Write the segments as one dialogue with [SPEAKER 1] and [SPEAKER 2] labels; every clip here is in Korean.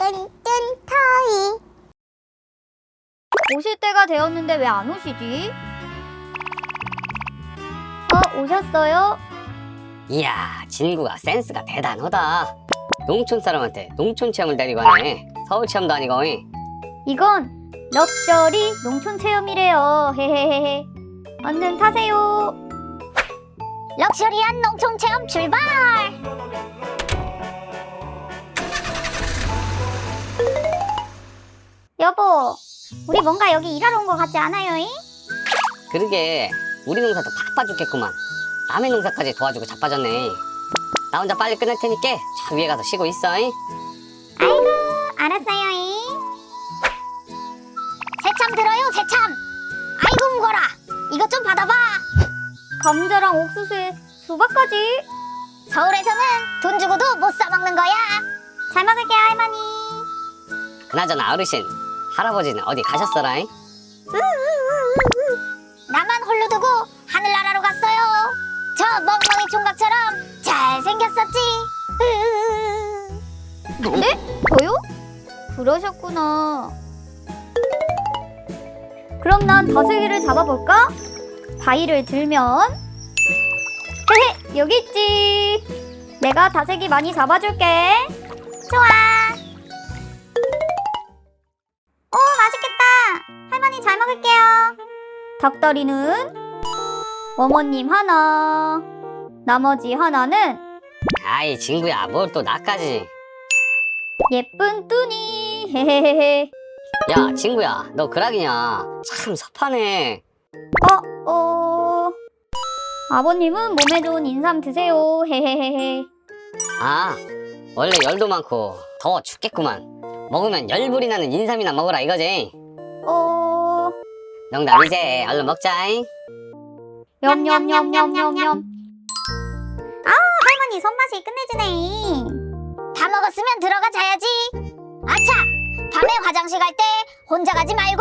[SPEAKER 1] 뚠뚠 터이.
[SPEAKER 2] 오실 때가 되었는데 왜 안 오시지? 오셨어요?
[SPEAKER 3] 이야, 진구가 센스가 대단하다. 농촌 사람한테 농촌 체험을 데리고 가네. 서울 체험도 아니고.
[SPEAKER 2] 이건 럭셔리 농촌 체험이래요. 헤헤헤헤. 얼른 타세요.
[SPEAKER 1] 럭셔리한 농촌 체험 출발!
[SPEAKER 2] 여보, 우리 뭔가 여기 일하러 온 것 같지 않아요? 잉?
[SPEAKER 3] 그러게, 우리 농사도 바빠 죽겠구만. 남의 농사까지 도와주고 자빠졌네. 나 혼자 빨리 끝낼 테니까 저 위에 가서 쉬고 있어.
[SPEAKER 2] 아이고, 알았어요. 잉?
[SPEAKER 1] 새참 들어요, 새참. 아이고 무거라. 이것 좀 받아봐.
[SPEAKER 2] 감자랑 옥수수에 수박까지.
[SPEAKER 1] 서울에서는 돈 주고도 못 사 먹는 거야.
[SPEAKER 2] 잘 먹을게요, 할머니.
[SPEAKER 3] 그나저나 어르신, 할아버지는 어디 가셨어라?
[SPEAKER 1] 나만 홀로 두고 하늘나라로 갔어요. 저 멍멍이 총각처럼 잘생겼었지.
[SPEAKER 2] 네? 저요? 그러셨구나. 그럼 난 다슬기를 잡아볼까? 바위를 들면 헤헤, 여기 있지. 내가 다슬기 많이 잡아줄게.
[SPEAKER 1] 좋아.
[SPEAKER 2] 오, 맛있겠다. 할머니 잘 먹을게요. 닭다리는 어머님 하나, 나머지 하나는
[SPEAKER 3] 아이, 진구야, 뭘 또 나까지.
[SPEAKER 2] 예쁜 뚜니. 헤헤헤헤.
[SPEAKER 3] 야, 친구야, 너 그락이냐? 참 섭하네.
[SPEAKER 2] 아버님은 몸에 좋은 인삼 드세요. 헤헤헤헤.
[SPEAKER 3] 아, 원래 열도 많고 더워 죽겠구만. 먹으면 열불이 나는 인삼이나 먹어라 이거지. 농담이지. 얼른 먹자잉.
[SPEAKER 2] 냠냠냠냠냠냠. 할머니 손맛이 끝내주네.
[SPEAKER 1] 다 먹었으면 들어가 자야지. 아차! 밤에 화장실 갈 때 혼자 가지 말고.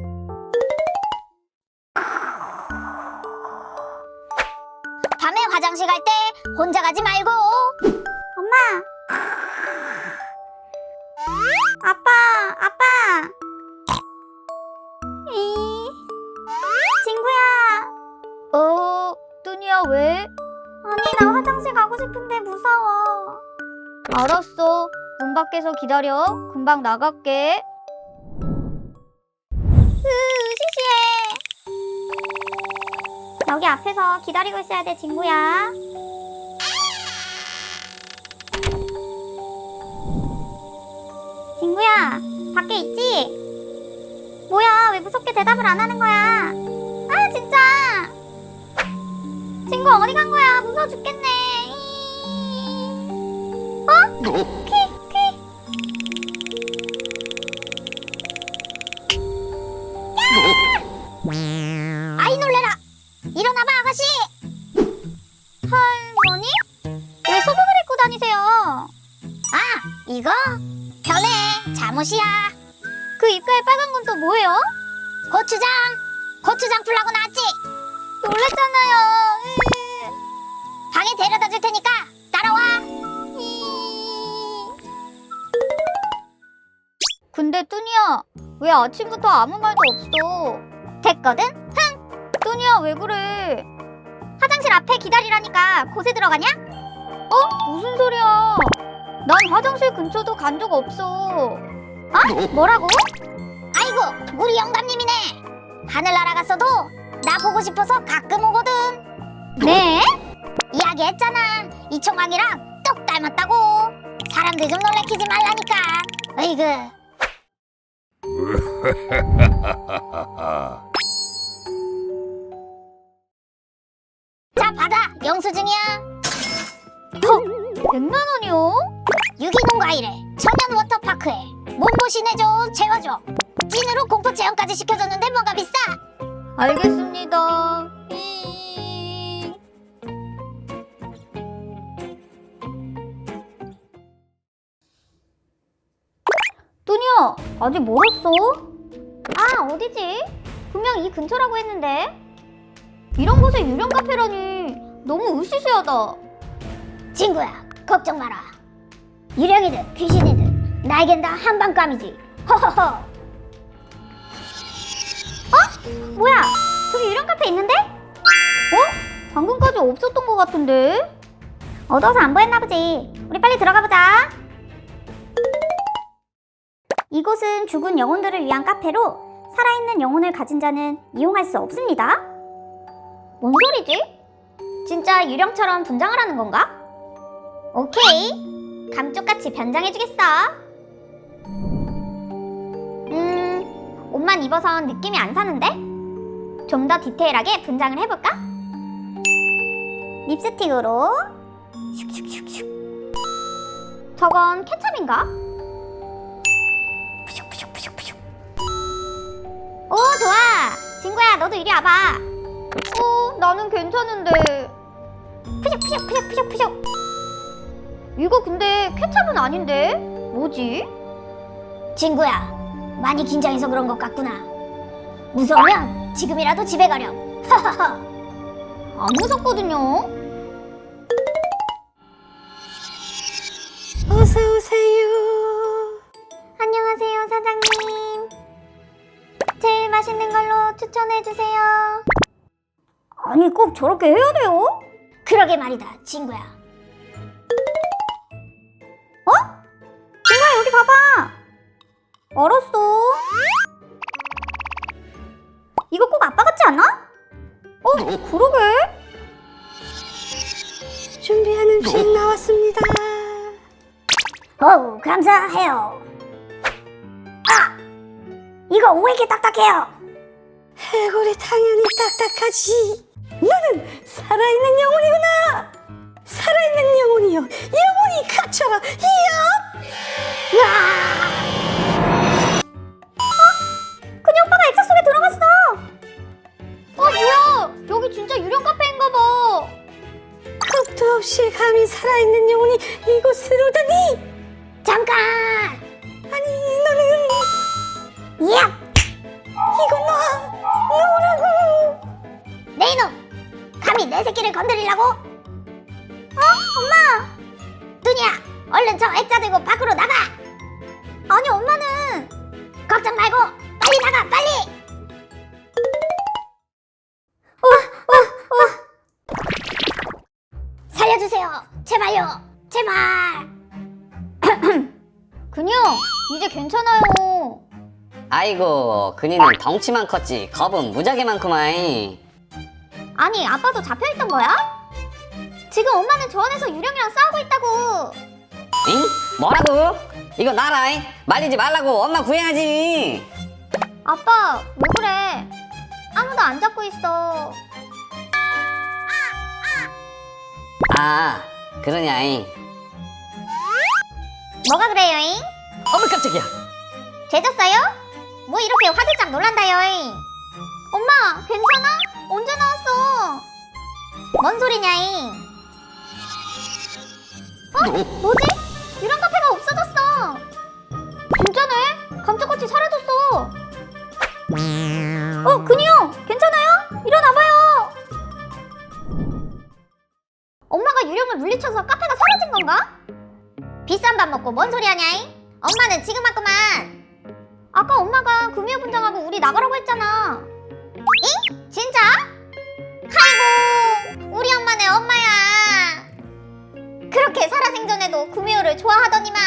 [SPEAKER 1] 밤에 화장실 갈 때 혼자 가지 말고.
[SPEAKER 2] 엄마. 아빠. 친구야. 뚜니야 왜? 아니 나 화장실 가고 싶은데 무서워. 알았어. 문 밖에서 기다려. 금방 나갈게. 시시해. 여기 앞에서 기다리고 있어야 돼, 친구야. 친구야, 밖에 있지? 뭐야, 왜 무섭게 대답을 안 하는 거야? 아, 진짜! 친구 어디 간 거야? 무서워 죽겠네. 퀴.
[SPEAKER 1] 아이 놀래라. 일어나봐 아가씨.
[SPEAKER 2] 할머니? 왜 소복을 입고 다니세요?
[SPEAKER 1] 아 이거 변해 잠옷이야.
[SPEAKER 2] 그 입가에 빨간 건 또 뭐예요?
[SPEAKER 1] 고추장 풀라고 나왔지.
[SPEAKER 2] 놀랬잖아요.
[SPEAKER 1] 방에 데려다 줄 테니까 따라와.
[SPEAKER 2] 근데 뚜니야, 왜 아침부터 아무 말도 없어? 됐거든? 흥! 뚜니야, 왜 그래? 화장실 앞에 기다리라니까 곳에 들어가냐? 무슨 소리야? 난 화장실 근처도 간 적 없어. 뭐라고?
[SPEAKER 1] 아이고 우리 영감님이네. 하늘나라 갔어도 나 보고 싶어서 가끔 오거든.
[SPEAKER 2] 네?
[SPEAKER 1] 이야기했잖아. 이 총각이랑 똑 닮았다고. 사람들 좀 놀래키지 말라니까. 으이그. 자 받아. 영수증이야.
[SPEAKER 2] 100만 원이요?
[SPEAKER 1] 유기농 과일에 천연 워터파크에 몸보신 해줘 채워줘. 찐으로 공포 체험까지 시켜줬는데 뭐가 비싸.
[SPEAKER 2] 알겠습니다. 뚜니야, 아직 멀었어? 어디지? 분명 이 근처라고 했는데. 이런 곳에 유령 카페라니 너무 으시시하다.
[SPEAKER 1] 친구야 걱정 마라. 유령이든 귀신이든 나에겐 다 한방감이지. 허허허.
[SPEAKER 2] 뭐야? 저기 유령 카페 있는데? 방금까지 없었던 것 같은데? 어두워서 안 보였나 보지. 우리 빨리 들어가 보자. 이곳은 죽은 영혼들을 위한 카페로 살아있는 영혼을 가진 자는 이용할 수 없습니다. 뭔 소리지? 진짜 유령처럼 분장을 하는 건가? 오케이. 감쪽같이 변장해주겠어. 옷만 입어선 느낌이 안 사는데? 좀 더 디테일하게 분장을 해볼까? 립스틱으로 슉슉슉슉. 저건 케첩인가? 푸슉푸슉푸슉푸슉. 오, 좋아. 친구야, 너도 이리 와봐. 나는 괜찮은데. 푸슉푸슉푸슉푸슉푸슉. 이거 근데 케첩은 아닌데? 뭐지?
[SPEAKER 1] 친구야, 많이 긴장해서 그런 것 같구나. 무서우면 지금이라도 집에 가렴. 하하하.
[SPEAKER 2] 안 무섭거든요.
[SPEAKER 1] 어서 오세요.
[SPEAKER 2] 안녕하세요, 사장님. 제일 맛있는 걸로 추천해주세요. 아니, 꼭 저렇게 해야 돼요?
[SPEAKER 1] 그러게 말이다, 친구야.
[SPEAKER 2] 친구야, 여기 봐봐. 알았어. 이거 꼭 아빠 같지 않아? 그러게.
[SPEAKER 1] 준비한 음식 나왔습니다. 어우, 감사해요. 이거 왜 이렇게 딱딱해요? 해골이 당연히 딱딱하지. 너는 살아있는 영혼이구나. 살아있는 영혼이여, 영혼이 갇혀라. 이야!
[SPEAKER 2] 그녀 오빠가 액자 속에 들어갔어. 뭐야? 여기 진짜 유령 카페인가 봐.
[SPEAKER 1] 겁도 없이 감히 살아있는 영혼이 이곳을 오다니. 잠깐! 아니, 너는... 야! 이거 너라고! 내 이놈! 감히 내 새끼를 건드리려고? 엄마! 뚜니야, 얼른 저 액자 들고 밖으로 나가!
[SPEAKER 2] 아니, 엄마는.
[SPEAKER 1] 걱정 말고 빨리 나가, 빨리! 살려주세요, 제발요, 제발!
[SPEAKER 2] 그녀, 이제 괜찮아요.
[SPEAKER 3] 아이고, 그니는 덩치만 컸지 겁은 무지하게 많구만.
[SPEAKER 2] 아니, 아빠도 잡혀있던 거야? 지금 엄마는 저 안에서 유령이랑 싸우고 있다고.
[SPEAKER 3] 응? 뭐라고? 이거 나라. 말리지 말라고. 엄마 구해야지.
[SPEAKER 2] 아빠, 왜 그래? 아무도 안 잡고 있어.
[SPEAKER 3] 아, 그러냐잉.
[SPEAKER 2] 뭐가 그래요잉?
[SPEAKER 3] 어머 깜짝이야.
[SPEAKER 2] 죄졌어요? 뭐 이렇게 화들짝 놀란다요잉? 엄마, 괜찮아? 언제 나왔어? 뭔 소리냐잉? 뭐지? 유령 카페가 없어졌어. 진짜네? 감쪽같이 사라졌어. 그니요, 괜찮아요? 일어나봐요. 엄마가 유령을 물리쳐서 카페가 사라진 건가? 비싼 밥 먹고 뭔 소리 하냐잉? 엄마는 지금 왔구만. 아까 엄마가 금요 분장하고 우리 나가라고 했잖아. 잉? 진짜? 아이고, 우리 엄마네 엄마야. 그렇게 살아생전에도 구미호를 좋아하더니만.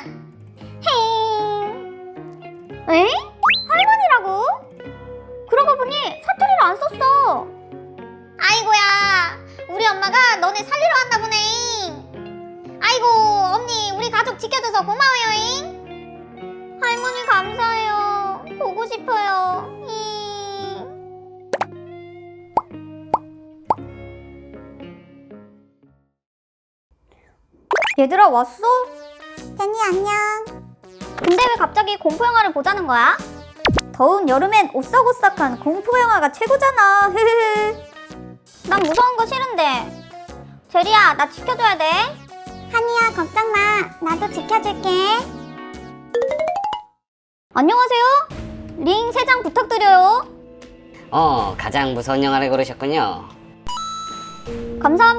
[SPEAKER 2] 헤잉. 에? 할머니라고? 그러고 보니 사투리를 안 썼어. 아이고야, 우리 엄마가 너네 살리러 왔나 보네. 아이고, 언니, 우리 가족 지켜줘서 고마워요잉. 할머니 감사해요. 보고 싶어요. 얘들아, 왔어? 제니 안녕. 근데 왜 갑자기 공포영화를 보자는 거야? 더운 여름엔 오싹오싹한 공포영화가 최고잖아. 난 무서운 거 싫은데. 제리야, 나 지켜줘야 돼. 한이야, 걱정 마. 나도 지켜줄게. 안녕하세요. 링 3장 부탁드려요.
[SPEAKER 3] 가장 무서운 영화를 고르셨군요.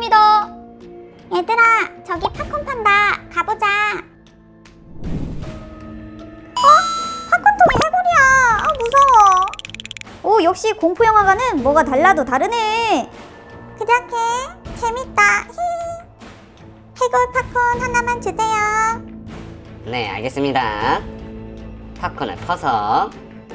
[SPEAKER 2] 감사합니다. 얘들아, 저기 팝콘 판다. 가보자. 역시 공포 영화관은 뭐가 달라도 다르네. 그렇게 재밌다. 해골 팝콘 하나만 주세요.
[SPEAKER 3] 네, 알겠습니다. 팝콘을 퍼서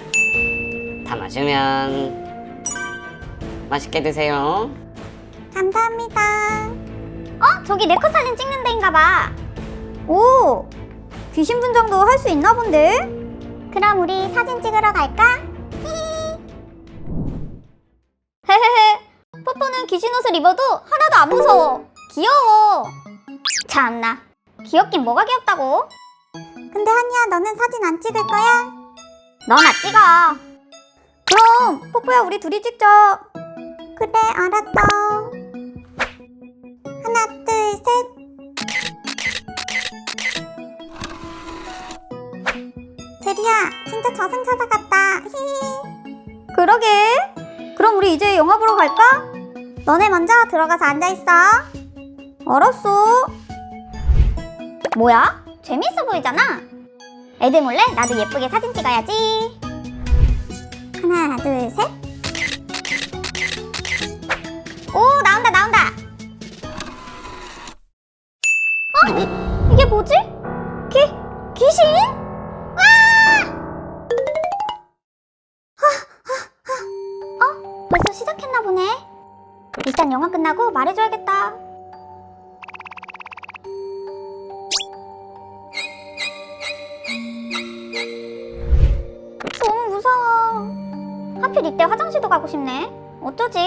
[SPEAKER 3] 담아주면 맛있게 드세요.
[SPEAKER 2] 감사합니다. 저기 네컷 사진 찍는 데인가 봐. 오, 귀신 분장도 할 수 있나 본데? 그럼 우리 사진 찍으러 갈까? 헤헤헤. 뽀뽀는 귀신 옷을 입어도 하나도 안 무서워. 귀여워. 참나, 귀엽긴 뭐가 귀엽다고? 근데 한이야, 너는 사진 안 찍을 거야? 너나 찍어. 그럼 뽀뽀야, 우리 둘이 찍자. 그래, 알았어. 하나, 둘, 셋. 제리야, 진짜 저승사자 같다. 그러게. 그럼 우리 이제 영화 보러 갈까? 너네 먼저 들어가서 앉아있어. 알았어. 뭐야? 재밌어 보이잖아. 애들 몰래 나도 예쁘게 사진 찍어야지. 하나, 둘, 셋. 오, 나온다, 나온다. 이게 뭐지? 귀신? 벌써 시작했나 보네. 일단 영화 끝나고 말해줘야겠다. 너무 무서워. 하필 이때 화장실도 가고 싶네. 어쩌지?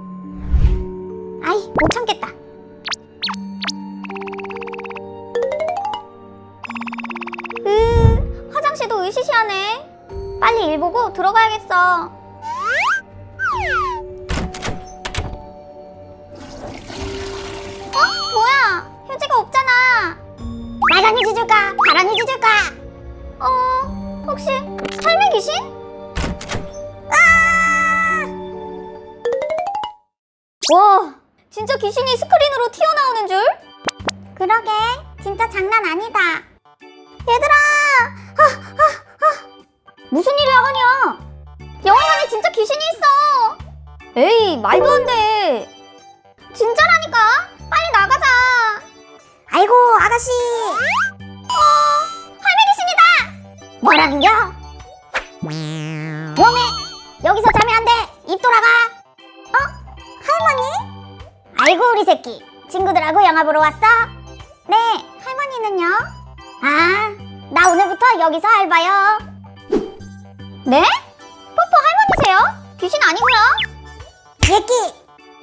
[SPEAKER 2] 아이, 못 참겠다. 화장실도 으시시하네. 빨리 일 보고 들어가야겠어. 뭐야? 휴지가 없잖아.
[SPEAKER 1] 빨간 휴지 줄까? 파란 휴지 줄까?
[SPEAKER 2] 혹시 삶의 귀신? 와, 진짜 귀신이 스크린으로 튀어나오는 줄? 그러게, 진짜 장난 아니다. 얘들아! 무슨 일이야, 하냐? 영화관에 진짜 귀신이 있어. 에이, 말도 안 돼. 진짜라니까. 빨리 나가자.
[SPEAKER 1] 아이고, 아가씨.
[SPEAKER 2] 할매 귀신이다.
[SPEAKER 1] 뭐라는겨? 웜에 여기서 자면 안 돼. 입 돌아가.
[SPEAKER 2] 할머니?
[SPEAKER 1] 아이고, 우리 새끼. 친구들하고 영화 보러 왔어?
[SPEAKER 2] 네, 할머니는요?
[SPEAKER 1] 아, 나 오늘부터 여기서 알바요.
[SPEAKER 2] 네? 뽀뽀 할머니세요? 귀신 아니고요?
[SPEAKER 1] 예끼.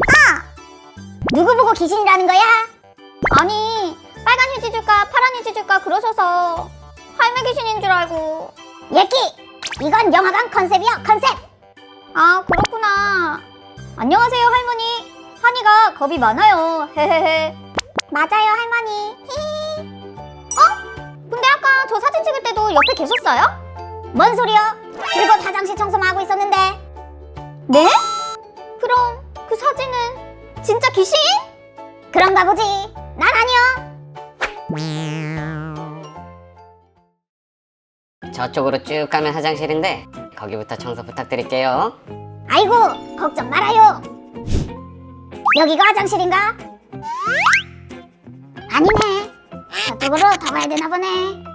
[SPEAKER 1] 누구 보고 귀신이라는 거야?
[SPEAKER 2] 아니, 빨간 휴지 줄까 파란 휴지 줄까 그러셔서 할매 귀신인 줄 알고.
[SPEAKER 1] 예끼. 이건 영화관 컨셉이야, 컨셉.
[SPEAKER 2] 아, 그렇구나. 안녕하세요, 할머니. 한이가 겁이 많아요. 헤헤헤.
[SPEAKER 1] 맞아요, 할머니.
[SPEAKER 2] 근데 아까 저 사진 찍을 때도 옆에 계셨어요?
[SPEAKER 1] 뭔 소리여? 즐거운 화장실 청소만 하고 있었는데.
[SPEAKER 2] 네? 그럼 그 사진은 진짜 귀신?
[SPEAKER 1] 그런가 보지. 난 아니야.
[SPEAKER 3] 저쪽으로 쭉 가면 화장실인데 거기부터 청소 부탁드릴게요.
[SPEAKER 1] 아이고, 걱정 말아요. 여기가 화장실인가? 아니네. 저쪽으로 더 가야 되나 보네.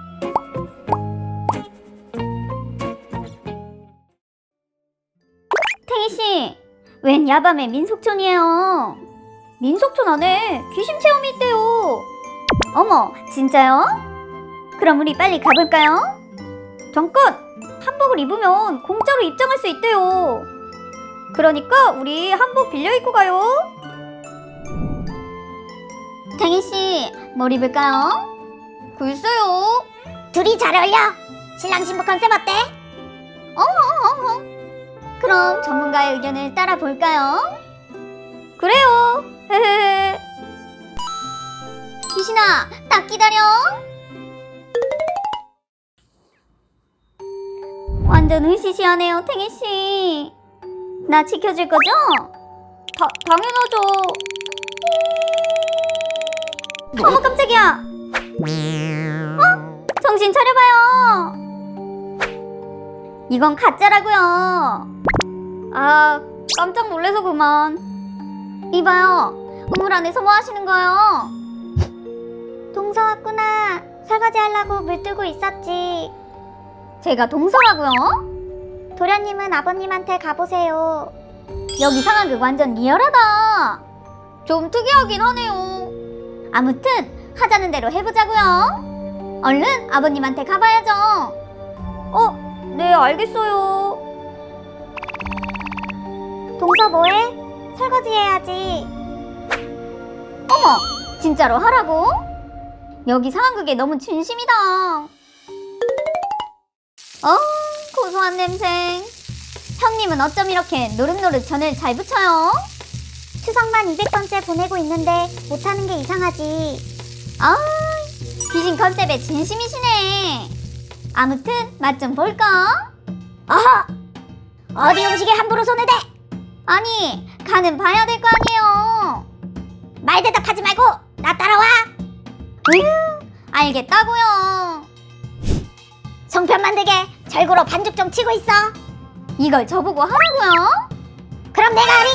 [SPEAKER 2] 탱이씨, 웬 야밤에 민속촌이에요? 민속촌 안에 귀신 체험이 있대요. 어머, 진짜요? 그럼 우리 빨리 가볼까요? 잠깐! 한복을 입으면 공짜로 입장할 수 있대요. 그러니까 우리 한복 빌려 입고 가요. 탱이씨, 뭘 입을까요? 글쎄요.
[SPEAKER 1] 둘이 잘 어울려. 신랑 신부 컨셉 어때?
[SPEAKER 2] 그럼 전문가의 의견을 따라 볼까요? 그래요. 헤헤. 귀신아, 딱 기다려. 완전 으시시하네요, 탱이씨. 나 지켜줄 거죠? 당연하죠. 어머, 깜짝이야. 정신 차려봐요. 이건 가짜라고요. 아, 깜짝 놀래서 그만. 이봐요, 우물 안에서 뭐 하시는 거예요? 동서 왔구나. 설거지 하려고 물 뜨고 있었지. 제가 동서라고요? 도련님은 아버님한테 가보세요. 여기 상황극 완전 리얼하다. 좀 특이하긴 하네요. 아무튼 하자는 대로 해보자고요. 얼른 아버님한테 가봐야죠. 네, 알겠어요. 동서 뭐해? 설거지 해야지. 어머, 진짜로 하라고? 여기 상황극에 너무 진심이다. 고소한 냄새. 형님은 어쩜 이렇게 노릇노릇 전을 잘 붙여요? 추석만 200번째 보내고 있는데 못하는 게 이상하지. 귀신 컨셉에 진심이시네. 아무튼 맛 좀 볼까?
[SPEAKER 1] 어허! 어디 음식에 함부로 손을 대!
[SPEAKER 2] 아니, 간은 봐야 될 거 아니에요.
[SPEAKER 1] 말 대답하지 말고 나 따라와!
[SPEAKER 2] 알겠다고요.
[SPEAKER 1] 송편 만들게 절구로 반죽 좀 치고 있어.
[SPEAKER 2] 이걸 저보고 하라고요?
[SPEAKER 1] 그럼 내가 하리.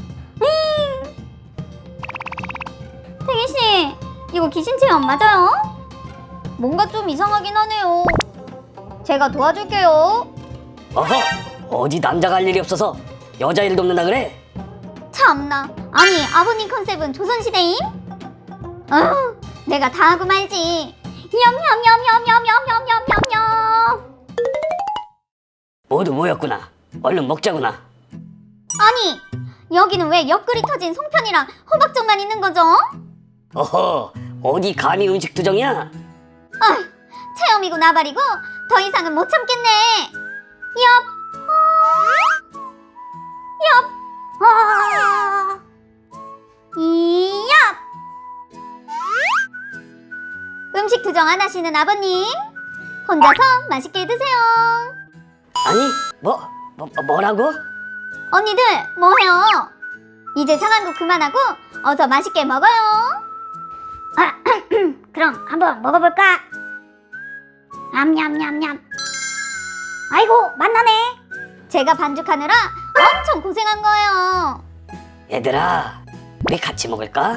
[SPEAKER 2] 태기씨, 이거 귀신 체험 맞아요? 뭔가 좀 이상하긴 하네요. 제가 도와줄게요.
[SPEAKER 3] 어허, 어디 남자가 할 일이 없어서 여자 일 돕는다 그래?
[SPEAKER 2] 참나. 아니, 아버님 컨셉은 조선시대임? 내가 다 하고 말지. 냠냠냠냠냠냠냠냠냠.
[SPEAKER 3] 모두 모였구나. 얼른 먹자구나.
[SPEAKER 2] 아니, 여기는 왜 옆구리 터진 송편이랑 호박전만 있는 거죠?
[SPEAKER 3] 어허, 어디 감히 음식 투정이야?
[SPEAKER 2] 체험이고 나발이고 더 이상은 못 참겠네. 이엽. 음식 투정 안 하시는 아버님, 혼자서 맛있게 드세요.
[SPEAKER 3] 아니, 뭐라고?
[SPEAKER 2] 언니들 뭐해요? 이제 상한국 그만하고 어서 맛있게 먹어요.
[SPEAKER 1] 그럼 한번 먹어볼까? 냠냠냠냠. 아이고 맛나네.
[SPEAKER 2] 제가 반죽하느라 엄청 고생한 거예요.
[SPEAKER 3] 얘들아, 우리 같이 먹을까?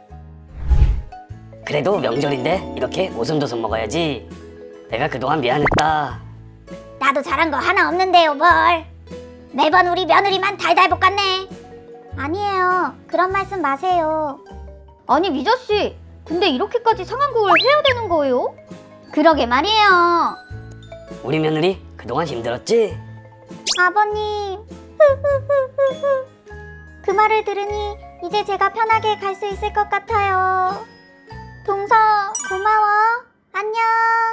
[SPEAKER 3] 그래도 명절인데 이렇게 오손도손 먹어야지. 내가 그동안 미안했다.
[SPEAKER 1] 나도 잘한 거 하나 없는데요 뭘. 매번 우리 며느리만 달달 볶았네.
[SPEAKER 2] 아니에요. 그런 말씀 마세요. 아니, 미자씨, 근데 이렇게까지 상한국을 해야 되는 거예요? 그러게 말이에요.
[SPEAKER 3] 우리 며느리 그동안 힘들었지?
[SPEAKER 2] 아버님. 그 말을 들으니 이제 제가 편하게 갈 수 있을 것 같아요. 동서, 고마워. 안녕.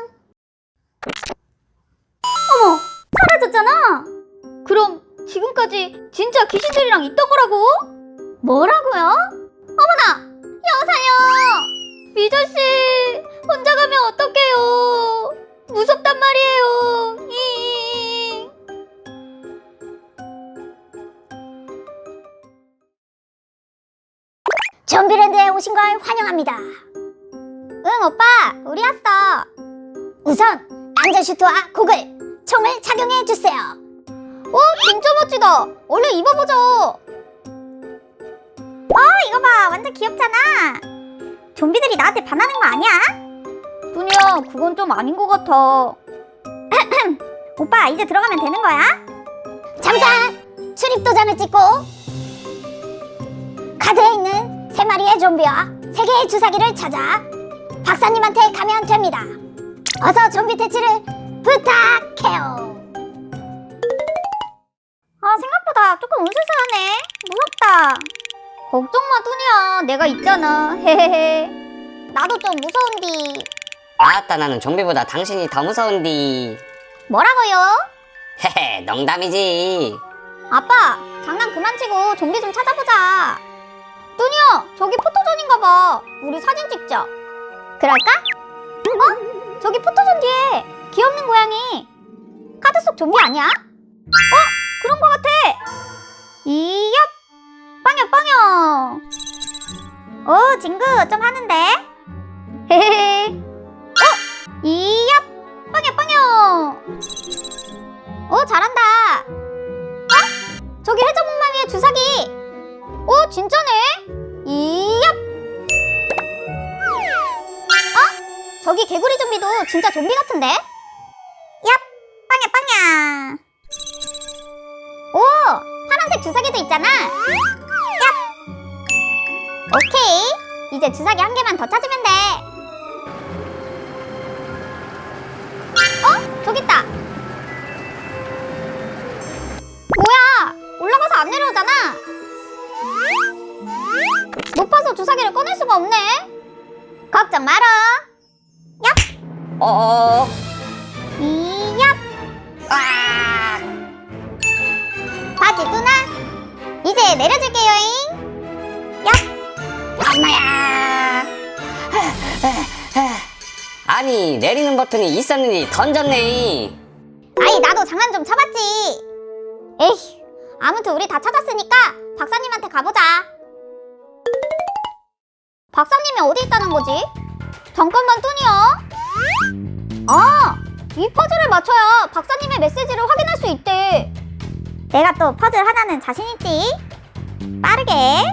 [SPEAKER 2] 어머, 사라졌잖아. 그럼 지금까지 진짜 귀신들이랑 있던 거라고? 뭐라고요? 어머나, 여사요. 미자씨, 혼자 가면 어떡해요? 무섭단 말이에요.
[SPEAKER 1] 좀비랜드에 오신 걸 환영합니다.
[SPEAKER 2] 응, 오빠, 우리 왔어.
[SPEAKER 1] 우선 안전슈트와 고글, 총을 착용해 주세요.
[SPEAKER 2] 오, 진짜 멋지다. 얼른 입어보죠. 이거 봐, 완전 귀엽잖아. 좀비들이 나한테 반하는 거 아니야? 두니야, 그건 좀 아닌 것 같아. 오빠, 이제 들어가면 되는 거야?
[SPEAKER 1] 잠깐! 출입 도장을 찍고 카드에 있는 3마리의 좀비와 3개의 주사기를 찾아 박사님한테 가면 됩니다. 어서 좀비 퇴치를 부탁해요.
[SPEAKER 2] 생각보다 조금 으스스하네. 무섭다. 걱정 마, 두니야. 내가 있잖아. 헤헤헤. 나도 좀 무서운디.
[SPEAKER 3] 아따, 나는 좀비보다 당신이 더 무서운디.
[SPEAKER 2] 뭐라고요?
[SPEAKER 3] 헤헤, 농담이지.
[SPEAKER 2] 아빠, 장난 그만 치고 좀비 좀 찾아보자. 뚜니야, 저기 포토존인가 봐. 우리 사진 찍자. 그럴까? 저기 포토존 뒤에 귀엽는 고양이. 카드 속 좀비 아니야? 그런 거 같아. 이엽, 빵여. 오, 친구 좀 하는데. 헤헤헤. 이엽, 빵여. 오, 잘한다. 저기 좀비도 진짜 좀비 같은데? 얍! 빵야 빵야! 오! 파란색 주사기도 있잖아! 얍! 오케이! 이제 주사기 한 개만 더 찾으면 돼! 어? 저기 있다! 뭐야! 올라가서 안 내려오잖아! 높아서 주사기를 꺼낼 수가 없네? 걱정 마라! 얍!
[SPEAKER 3] 어어.
[SPEAKER 2] 이얍!
[SPEAKER 3] 아!
[SPEAKER 2] 바지 누나! 이제 내려줄게요잉! 얍!
[SPEAKER 3] 엄마야! 아니, 내리는 버튼이 있었는지 던졌네.
[SPEAKER 2] 아이 나도 장난 좀 쳐봤지! 에휴 아무튼 우리 다 찾았으니까 박사님한테 가보자! 박사님이 어디 있다는 거지? 잠깐만 뚜니야! 아! 이 퍼즐을 맞춰야 박사님의 메시지를 확인할 수 있대! 내가 또 퍼즐 하나는 자신있지? 빠르게!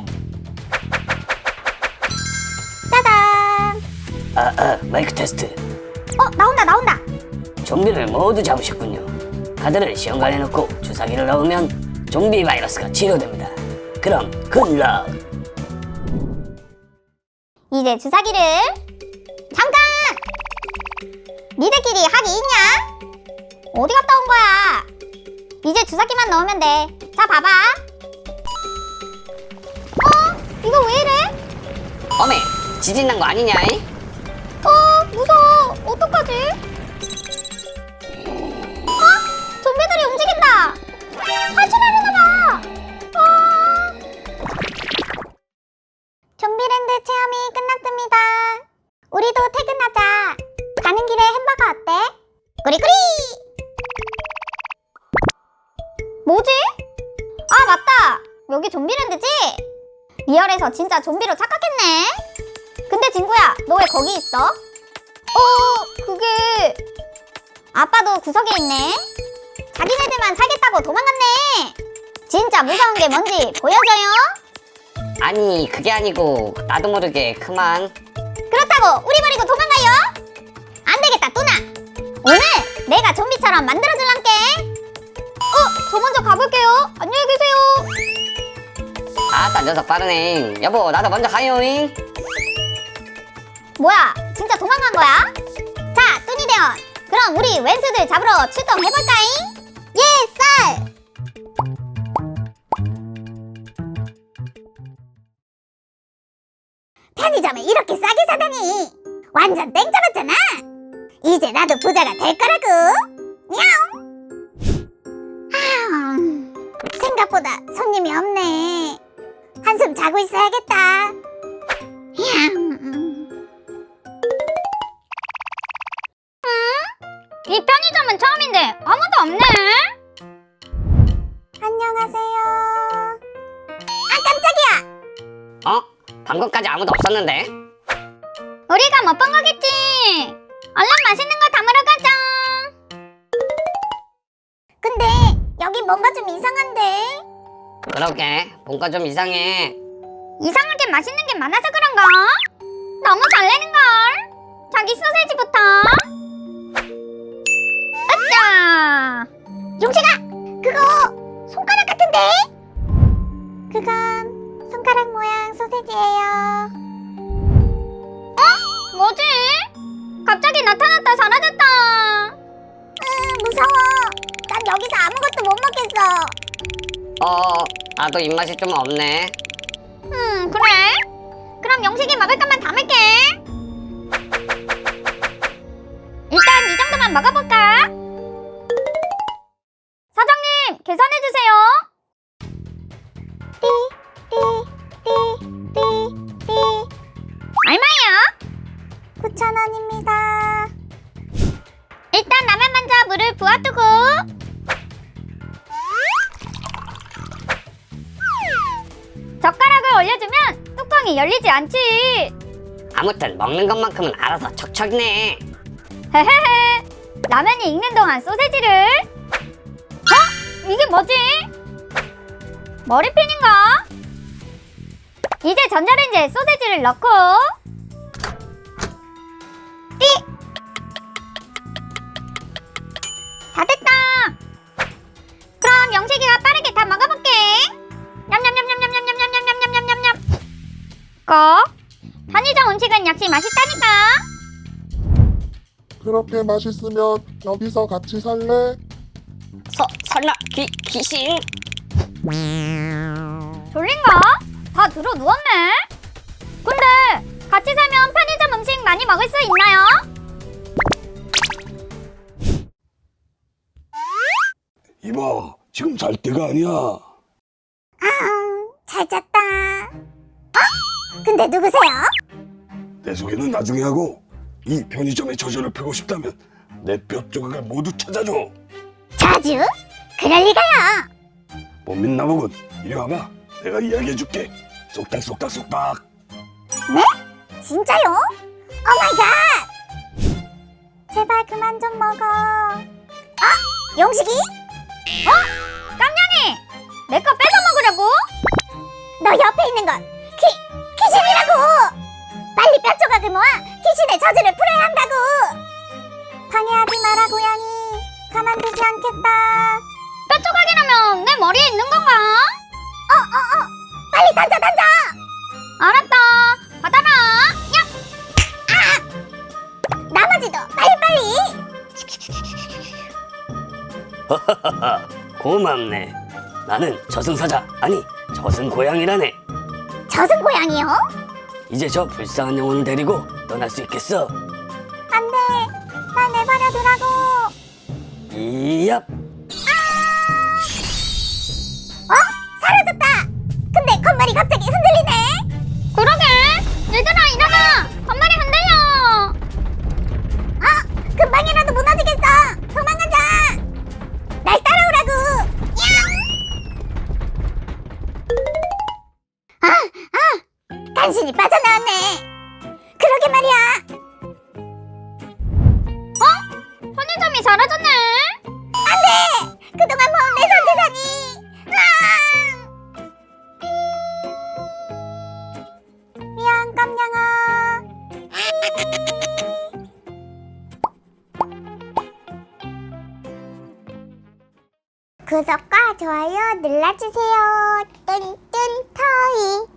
[SPEAKER 2] 짜잔!
[SPEAKER 3] 마이크 테스트.
[SPEAKER 2] 나온다!
[SPEAKER 3] 좀비를 모두 잡으셨군요. 카드를 시험관에 넣고 주사기를 넣으면 좀비 바이러스가 치료됩니다. 그럼 굿럭.
[SPEAKER 2] 이제 주사기를 잠깐! 니들끼리 합의 있냐? 어디 갔다 온 거야? 이제 주사기만 넣으면 돼. 자 봐봐. 이거 왜 이래?
[SPEAKER 3] 어메, 지진 난 거 아니냐?
[SPEAKER 2] 무서워. 어떡하지? 좀비들이 움직인다. 탈출하려나 봐. 좀비랜드 체험이 끝났습니다. 우리도 퇴근하자. 가는 길에 햄버거 어때? 꾸리꾸리! 뭐지? 아 맞다! 여기 좀비랜드지? 리얼에서 진짜 좀비로 착각했네? 근데 친구야, 너 왜 거기 있어? 그게... 아빠도 구석에 있네? 자기네들만 살겠다고 도망갔네! 진짜 무서운 게 뭔지 보여줘요?
[SPEAKER 3] 아니, 그게 아니고 나도 모르게 그만.
[SPEAKER 2] 그렇다고 우리 버리고 도망가요? 안 되겠다 뚜나! 오늘 내가 좀비처럼 만들어줄란게! 저 먼저 가볼게요. 안녕히 계세요.
[SPEAKER 3] 아따, 녀석 빠르네. 여보, 나도 먼저 가요잉.
[SPEAKER 2] 뭐야, 진짜 도망간 거야? 자, 뚜니 대원, 그럼 우리 왼수들 잡으러 출동해볼까잉? 예, 쌀! 편의점에 이렇게 싸게 사다니 완전 땡 잡았잖아. 이제 나도 부자가 될 거라고. 야옹. 생각보다 손님이 없네. 한숨 자고 있어야겠다. 야옹. 이 편의점은 처음인데 아무도 없네. 안녕하세요. 아 깜짝이야.
[SPEAKER 3] 방금까지 아무도 없었는데.
[SPEAKER 2] 우리가 못 본 거겠지. 얼른 맛있는 거 담으러 가자. 근데 여기 뭔가 좀 이상한데.
[SPEAKER 3] 그러게, 뭔가 좀 이상해.
[SPEAKER 2] 이상하게 맛있는 게 많아서 그런가? 너무 설레는걸. 자기 소세지부터. 으쌰. 용식아, 그거 손가락 같은데? 그건 손가락 모양 소세지예요. 뭐지? 갑자기 나타났다 사라졌다. 무서워. 난 여기서 아무것도 못 먹겠어.
[SPEAKER 3] 나도 입맛이 좀 없네.
[SPEAKER 2] 그래? 그럼 영식이 먹을 것만 담을게. 일단 이 정도만 먹어볼까? 사장님, 계산해주세요. 띠. 얼마야? 9,000원입니다. 일단 라면 먼저 물을 부어두고. 젓가락을 올려주면 뚜껑이 열리지 않지.
[SPEAKER 3] 아무튼 먹는 것만큼은 알아서 척척이네.
[SPEAKER 2] 헤헤헤. 라면이 익는 동안 소세지를. 이게 뭐지? 머리핀인가? 이제 전자레인지에 소세지를 넣고
[SPEAKER 4] 그렇게 맛있으면 여기서 같이 살래?
[SPEAKER 3] 설마 귀신?
[SPEAKER 2] 졸린가? 다 들어 누웠네? 근데 같이 살면 편의점 음식 많이 먹을 수 있나요?
[SPEAKER 5] 이봐, 지금 잘 때가 아니야.
[SPEAKER 1] 잘 잤다. 근데 누구세요?
[SPEAKER 5] 내 소개는 나중에 하고 이 편의점에 저절을 펴고 싶다면 내 뼈 조각을 모두 찾아줘.
[SPEAKER 1] 자주? 그럴 리가요.
[SPEAKER 5] 못 믿나 보군. 이리 와봐. 내가 이야기해줄게. 쏙닥.
[SPEAKER 1] 진짜요? 오마이갓! 제발 그만 좀 먹어. 용식이?
[SPEAKER 2] 깜냥이! 내 거 뺏어 먹으려고?
[SPEAKER 1] 너 옆에 있는 건 귀신이라고! 빨리 뼈 조각을 모아 귀신의 저주를 풀어야 한다고! 방해하지 마라 고양이. 가만두지 않겠다.
[SPEAKER 2] 뼈 조각이라면 내 머리에 있는 건가?
[SPEAKER 1] 빨리 던져!
[SPEAKER 2] 알았다. 받아라. 야!
[SPEAKER 1] 나머지도 빨리!
[SPEAKER 3] 고맙네. 나는 저승사자, 아니 저승고양이라네.
[SPEAKER 1] 저승 고양이요?
[SPEAKER 3] 이제 저 불쌍한 영혼을 데리고 떠날 수 있겠어.
[SPEAKER 1] 안 돼. 날 내버려 두라고.
[SPEAKER 3] 이얍.
[SPEAKER 1] 사라졌다. 근데 건물이 갑자기 흔들리네.
[SPEAKER 2] 그러게. 얘들아 일어나. 건물이 흔들려.
[SPEAKER 1] 금방이라도 무너지겠어. 도망가자. 날 따라오라고. 간신히 빠져나왔네. 그러게 말이야.
[SPEAKER 2] 편의점이 사라졌네.
[SPEAKER 1] 그동안 모은 내 전재산이. 미안 깜냥아. 구독과 좋아요 눌러주세요. 뚠뚠 터이.